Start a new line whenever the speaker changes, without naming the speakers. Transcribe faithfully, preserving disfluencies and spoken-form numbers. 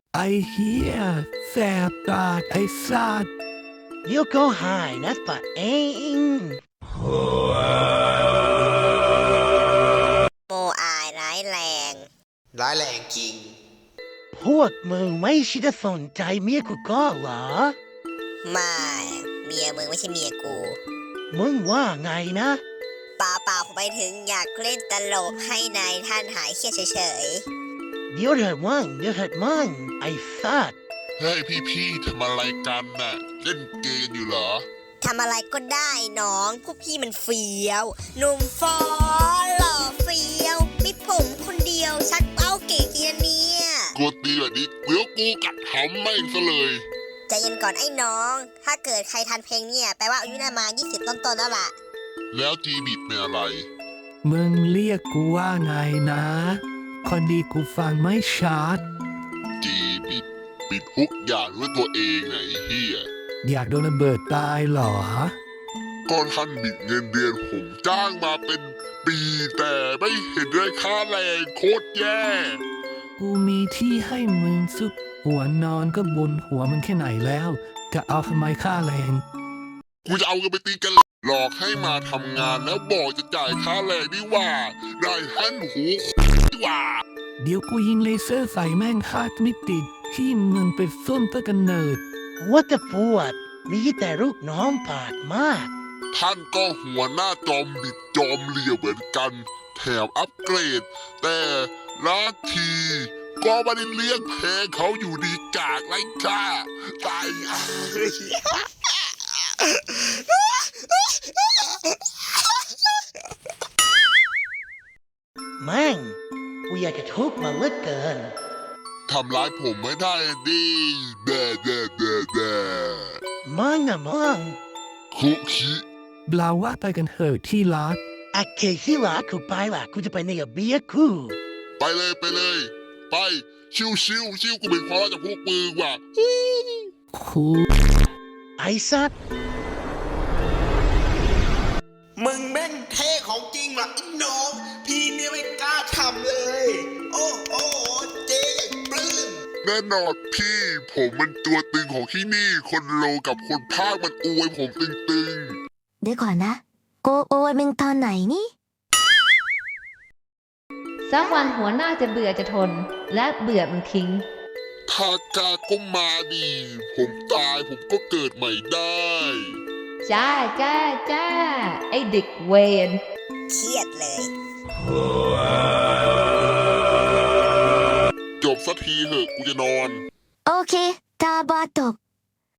ไอ้เหี้ยแสบตาไอ้สัตว์
เดี๋ยวก็หายนะปะเอง
โมอายร้ายแรง
ร้ายแรงจริง
พวกมึงไม่ใช่จะสนใจเมียกูก็เหรอ
ไม่เมียมึงไม่ใช่เมียกู
มึงว่าไงนะ
เปล่าเปล่าผมไปถึงอยากเล่นตลกให้นายท่านหายเครียดเฉย
เดี๋ยวเถิดมึงเดี๋ยวเถิดมึงไอ้สัตว์
เฮ้ยพี่ๆทำอะไรกันน่ะ เล่นเกมอยู่เหรอ
ๆทำอะไรก็ได้น้องพวกพี่มันเฟี้ยวหนุ่มฟอหล่อเฟี้ยวมีผมคนเดียวชักเป้าเก่งจริงนะเนี่ย
กูตีแบบนี้เดี๋ยวกูกัดหำแม่งซะเลย
ใจเย็นก่อนไอ้น้อง ถ้าเกิดใครทันเพลงเนี่ยแปลว่าอายุน่ามายี่สิบต้นๆแล้วล่ะ
แล้วจีบิดเป็นอะไร
มึงเรียกกูว่าไงนะคนดีกูฟังไม่ชัด
จีบิดปิดทุกอย่างด้วยตัวเองไงเฮีย
อยากโดนระเบิดตายเหรอ
ก็ท่านบิดเงินเดือนผมจ้างมาเป็นปีแต่ไม่เห็นได้ค่าแรงโคตรแย่
กูมีที่ให้มึงซุกหัวนอนก็บนหัวมึงแค่ไหนแล้ว จะเอาทำไมค่าแรง
กูจะเอาเงินไปตีกันหลอกให้มาทำงานแล้วบอกจะจ่ายค่าแรงดีว่า ได้หันหูดีว่า
เดี๋ยวกูยิงเลเซอร์ใส่แม่งฮาร์ดไม่ติดที่มึงไปส้นตะกันเนิด
ว่าแต่ปวดมีแต่ลูกน้องปาดมาก
ท่านก็หัวหน้าจอมบิดจอมเหลี่ยมเหมือนกัน แถมอัปเกรด แต่ละทีก็ไม่ได้เลี้ยงแพ้เขาอยู่ดีกากไรค่าตายอ่ะ
แม่งกูอยากจะทุบมันเหลือเกิน
ทำร้ายผมไม่ได้ดิแด่แด่แด่แด่
มึงนะมึง
คุคิ
บลาว่าไปกันเถอะที่รัก
โอเคที่รักกูไปละกูจะไปในกับเบียร์กู
ไปเลยไปเลย ไปชิวชิวชิวกูเป็นความรักจากพวกมือว่ะ
คู
ไอ้สัตว์
มึงแม่งเท่ของจริงว่ะไอ้น้อง พี่เนี่ยไม่กล้าทำเลย โอ้โหเจ๊อย่างปลื้ม
แน่นอนพี่ผมมันตัวตึงของที่นี่ คนโลกับคนภาคมันอวยผมตึง
เดี๋ยวก่อนนะโกโอเมงตอนไหนนี่
สักวันหัวหน้าจะเบื่อจะทน และเบื่อมันทิ้ง
ๆถ้ากาก็มาดี ผมตายผมก็เกิดใหม่ได้
จ้าจ้าจ้า ไอเด็กเวน
เครียดเลย
จบสักทีเหอะกูจะนอน
โอเค ตาบอตก